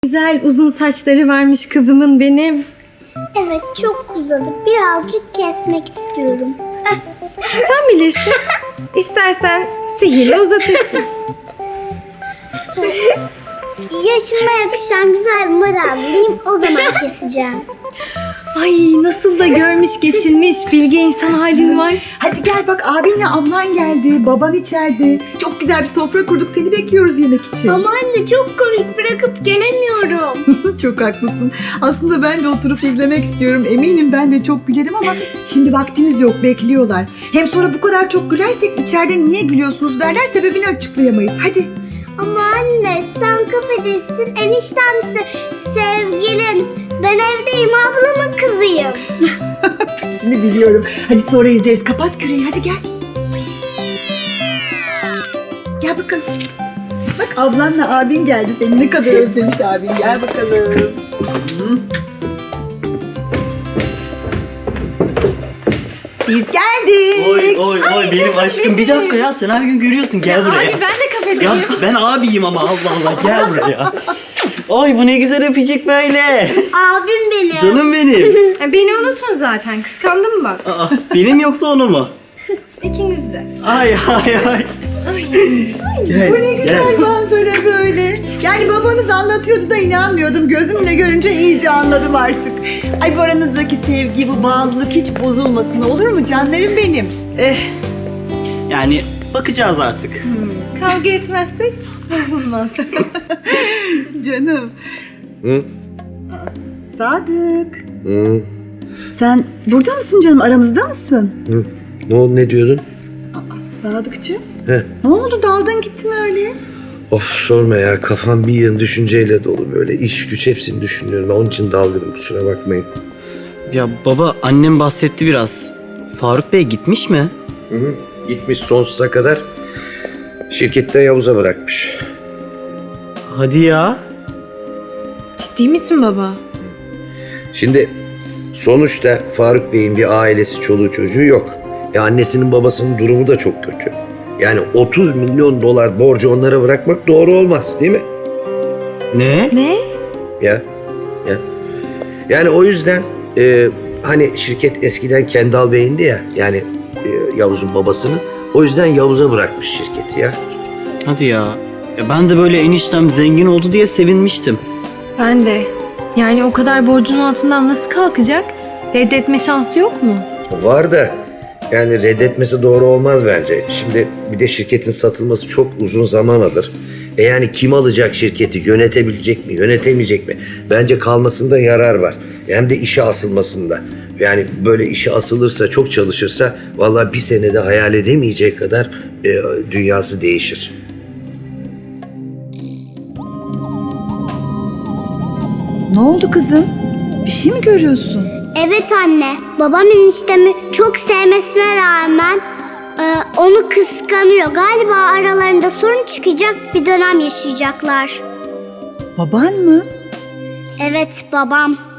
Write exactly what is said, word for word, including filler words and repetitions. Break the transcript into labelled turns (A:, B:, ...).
A: Güzel uzun saçları varmış kızımın benim.
B: Evet, çok uzadı. Birazcık kesmek istiyorum.
A: Sen bilirsin. İstersen sihirle uzatırsın.
B: Yaşıma yakışan güzel bir model bulayım, o zaman keseceğim.
A: Ay nasıl da görmüş geçirmiş bilge insan halin var.
C: Hadi gel bak, abinle ablan geldi, baban içeride. Çok güzel bir sofra kurduk, seni bekliyoruz yemek için.
B: Ama anne çok komik, bırakıp gelemiyorum.
C: Çok haklısın. Aslında ben de oturup izlemek istiyorum. Eminim ben de çok gülerim ama şimdi vaktimiz yok, bekliyorlar. Hem sonra bu kadar çok gülersek içeride niye gülüyorsunuz derler, sebebini açıklayamayız. Hadi.
B: Ama anne sen kafedesin, eniştemse sevgilin. Ben evdeyim, ablamın kızıyım.
C: Hepsini biliyorum. Hadi sonra izleriz. Kapat küreği, hadi gel. Gel bakalım. Bak ablanla abin geldi. Seni ne kadar özlemiş abin. Gel bakalım. Hı. Biz geldik.
D: Oy oy oy benim aşkım, bir dakika ya, sen her gün görüyorsun, gel buraya.
A: Abi ben de kafedeyim.
D: Ya ben abiyim ama, Allah Allah, gel buraya. Oy bu ne güzel öpecek böyle.
B: Abim benim.
D: Canım benim.
A: Ya beni unutun zaten. Kıskandım bak.
D: Aa, benim yoksa onu mu?
A: İkiniz de.
D: Ay ay ay. Gel,
C: Bu ne güzel
D: gel.
C: manzara böyle. Yani babanız anlatıyordu da inanmıyordum. Gözümle görünce iyice anladım artık. Ay bu aranızdaki sevgi, bu bağlılık hiç bozulmasın, olur mu canlarım benim?
D: Eh, yani bakacağız artık.
A: Kavga etmezsek bozulmaz.
C: Canım.
E: Hı?
C: Sadık.
E: Hı?
C: Sen burada mısın canım? Aramızda mısın?
E: Hı? Ne oldu, ne diyordun?
C: Sadıkçığım.
E: He.
C: Ne oldu? Daldın gittin öyle.
E: Of sorma ya, kafam bir yığın düşünceyle dolu böyle. İş güç hepsini düşünüyorum. Onun için dalgınım, kusura bakmayın.
D: Ya baba, annem bahsetti biraz. Faruk Bey gitmiş mi?
E: Hı hı. Gitmiş sonsuza kadar. Şirkette Yavuz'a bırakmış.
D: Hadi ya.
A: Ciddi misin baba?
E: Şimdi sonuçta Faruk Bey'in bir ailesi, çoluğu çocuğu yok. E annesinin babasının durumu da çok kötü. Yani otuz milyon dolar borcu onlara bırakmak doğru olmaz, değil mi?
D: Ne?
A: Ne?
E: Ya, ya. Yani o yüzden e, hani şirket eskiden Kendal Bey'indi ya, yani e, Yavuz'un babasını. O yüzden Yavuz'a bırakmış şirketi ya.
D: Hadi ya. Ya ben de böyle eniştem zengin oldu diye sevinmiştim.
A: Ben de. Yani o kadar borcun altından nasıl kalkacak? Reddetme şansı yok mu?
E: Var da yani reddetmesi doğru olmaz bence. Şimdi bir de şirketin satılması çok uzun zaman alır. E yani kim alacak şirketi? Yönetebilecek mi? Yönetemeyecek mi? Bence kalmasında yarar var. Hem de işe asılmasında. Yani böyle işe asılırsa, çok çalışırsa vallahi bir senede hayal edemeyecek kadar e, dünyası değişir.
C: Ne oldu kızım? Bir şey mi görüyorsun?
B: Evet anne, babam eniştemi çok sevmesine rağmen e, onu kıskanıyor. Galiba aralarında sorun çıkacak, bir dönem yaşayacaklar.
C: Baban mı?
B: Evet, babam.